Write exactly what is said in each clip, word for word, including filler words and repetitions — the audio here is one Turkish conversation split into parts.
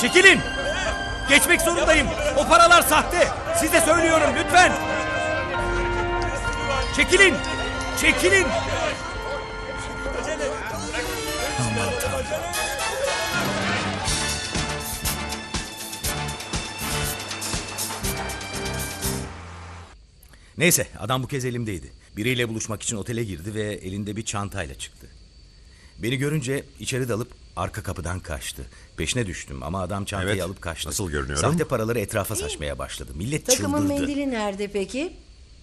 Çekilin! Geçmek zorundayım. O paralar sahte. Size söylüyorum lütfen. Çekilin! Çekilin! Aman Tanrım. Neyse, adam bu kez elimdeydi. Biriyle buluşmak için otele girdi ve elinde bir çantayla çıktı. Beni görünce içeri dalıp arka kapıdan kaçtı. Peşine düştüm ama adam çantayı Evet, alıp kaçtı. nasıl görünüyorum? Sahte paraları etrafa saçmaya başladı. Millet Takımın çıldırdı. mendili nerede peki?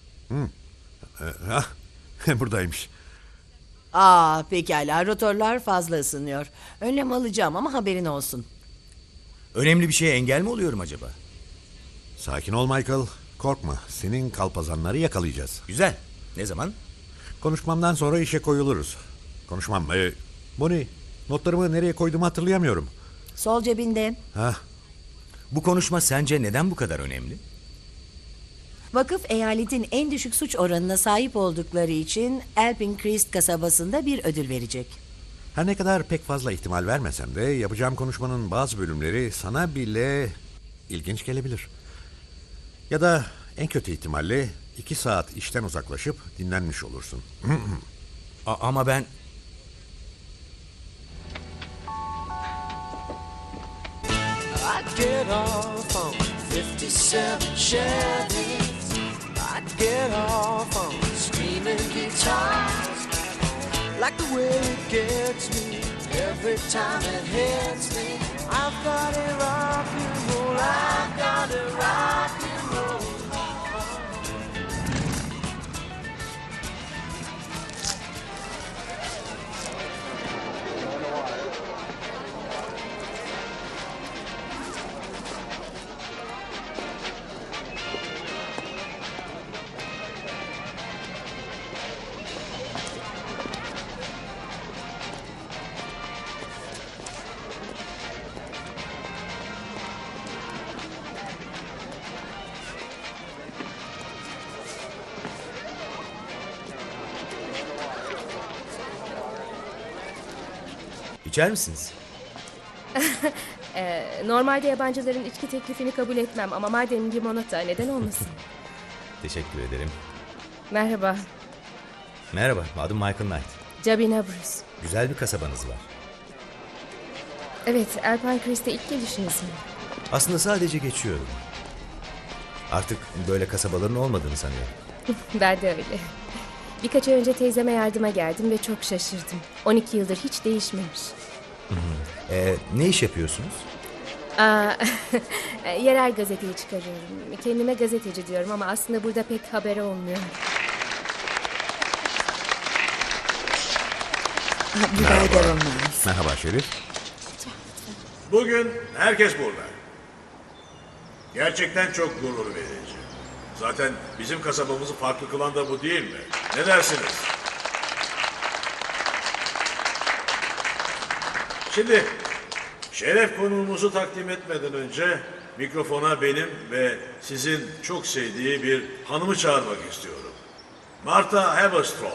Hah, buradaymış. Aa pekala, rotorlar fazla ısınıyor. Önlem alacağım ama haberin olsun. Önemli bir şeye engel mi oluyorum acaba? Sakin ol Michael. Korkma. Senin kalpazanları yakalayacağız. Güzel. Ne zaman? Konuşmamdan sonra işe koyuluruz. Konuşmam. Ee, Bonnie, notlarımı nereye koyduğumu hatırlayamıyorum. Sol cebinde. Hah, Bu konuşma sence neden bu kadar önemli? Vakıf eyaletin en düşük suç oranına sahip oldukları için Elpin Christ kasabasında bir ödül verecek. her ne kadar pek fazla ihtimal vermesem de yapacağım konuşmanın bazı bölümleri sana bile ilginç gelebilir. Ya da en kötü ihtimalle iki saat işten uzaklaşıp dinlenmiş olursun. A- ama ben... I'd get off on fifty-seven Chevy. I'd get off on screaming guitars. Like the way it gets me every time it hits me. I've got a rock and roll, I've got a rock and roll. İçer misiniz? Ee, normalde yabancıların içki teklifini kabul etmem ama madem limonata neden olmasın? Teşekkür ederim. Merhaba, Merhaba, adım Michael Knight. Jabina Bruce. Güzel bir kasabanız var. Evet, Alpine Crest'e ilk gelişiniz mi? Aslında sadece geçiyorum. Artık böyle kasabaların olmadığını sanıyorum. Ben de öyle. Birkaç ay önce teyzeme yardıma geldim ve çok şaşırdım. on iki yıldır hiç değişmemiş. Ee, ne iş yapıyorsunuz? Aa, yerel gazeteyi çıkarıyorum. Kendime gazeteci diyorum ama aslında burada pek haber olmuyor. Biber olmaz. Merhaba Şerif. Bugün herkes burada. Gerçekten çok gurur verici. Zaten bizim kasabamızı farklı kılan da bu değil mi? Ne dersiniz? Şimdi şeref konuğumuzu takdim etmeden önce mikrofona benim ve sizin çok sevdiği bir hanımı çağırmak istiyorum. Martha Haverstraw.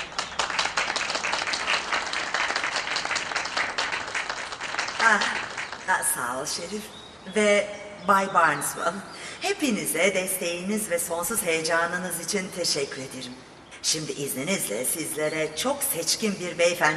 Ah, ah, sağ ol Şerif ve Bay Barneswell. Hepinize desteğiniz ve sonsuz heyecanınız için teşekkür ederim. Şimdi izninizle sizlere çok seçkin bir beyefendi